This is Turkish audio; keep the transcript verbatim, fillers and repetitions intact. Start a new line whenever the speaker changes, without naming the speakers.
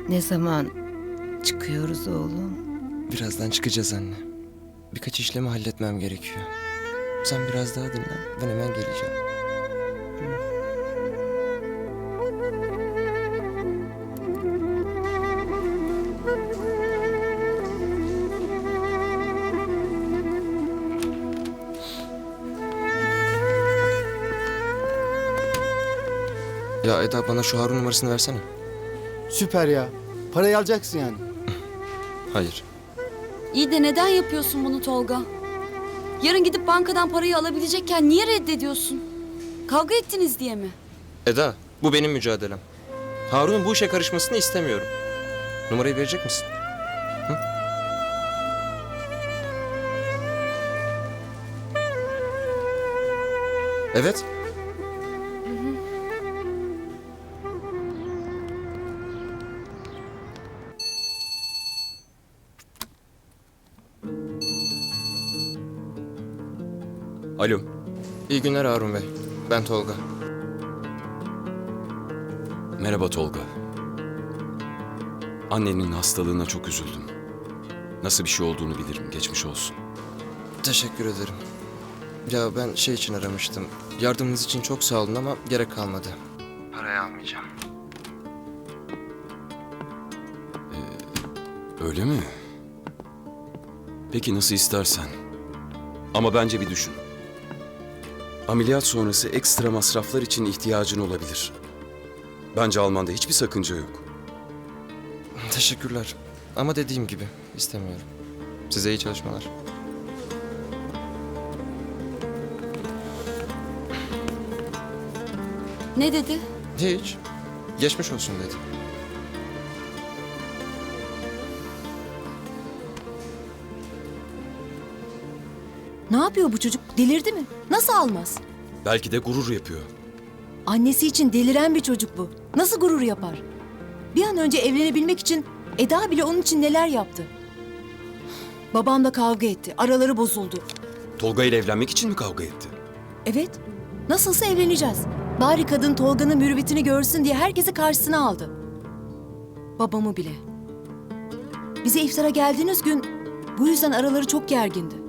Ne zaman çıkıyoruz oğlum?
Birazdan çıkacağız anne. Birkaç işlemi halletmem gerekiyor. Sen biraz daha dinlen. Ben hemen geleceğim. Ya Eda, bana şu Harun numarasını versene.
Süper ya. Parayı alacaksın yani.
Hayır.
İyi de neden yapıyorsun bunu Tolga? Yarın gidip bankadan parayı alabilecekken niye reddediyorsun? Kavga ettiniz diye mi?
Eda, bu benim mücadelem. Harun'un bu işe karışmasını istemiyorum. Numarayı verecek misin? Hı? Evet. Alo. İyi günler Harun Bey. Ben Tolga.
Merhaba Tolga. Annenin hastalığına çok üzüldüm. Nasıl bir şey olduğunu bilirim. Geçmiş olsun.
Teşekkür ederim. Ya ben şey için aramıştım. Yardımınız için çok sağ olun ama gerek kalmadı. Parayı almayacağım.
Öyle mi? Peki nasıl istersen. Ama bence bir düşün. Ameliyat sonrası ekstra masraflar için ihtiyacın olabilir. Bence almanda hiçbir sakınca yok.
Teşekkürler. Ama dediğim gibi istemiyorum. Size iyi çalışmalar.
Ne dedi?
Hiç. Geçmiş olsun dedi.
Ne yapıyor bu çocuk? Delirdi mi? Nasıl almaz?
Belki de gurur yapıyor.
Annesi için deliren bir çocuk bu. Nasıl gurur yapar? Bir an önce evlenebilmek için Eda bile onun için neler yaptı. Babamla kavga etti. Araları bozuldu.
Tolga ile evlenmek için mi kavga etti?
Evet. Nasılsa evleneceğiz. Bari kadın Tolga'nın mürüvvetini görsün diye herkesi karşısına aldı. Babamı bile. Bize iftara geldiğiniz gün bu yüzden araları çok gergindi.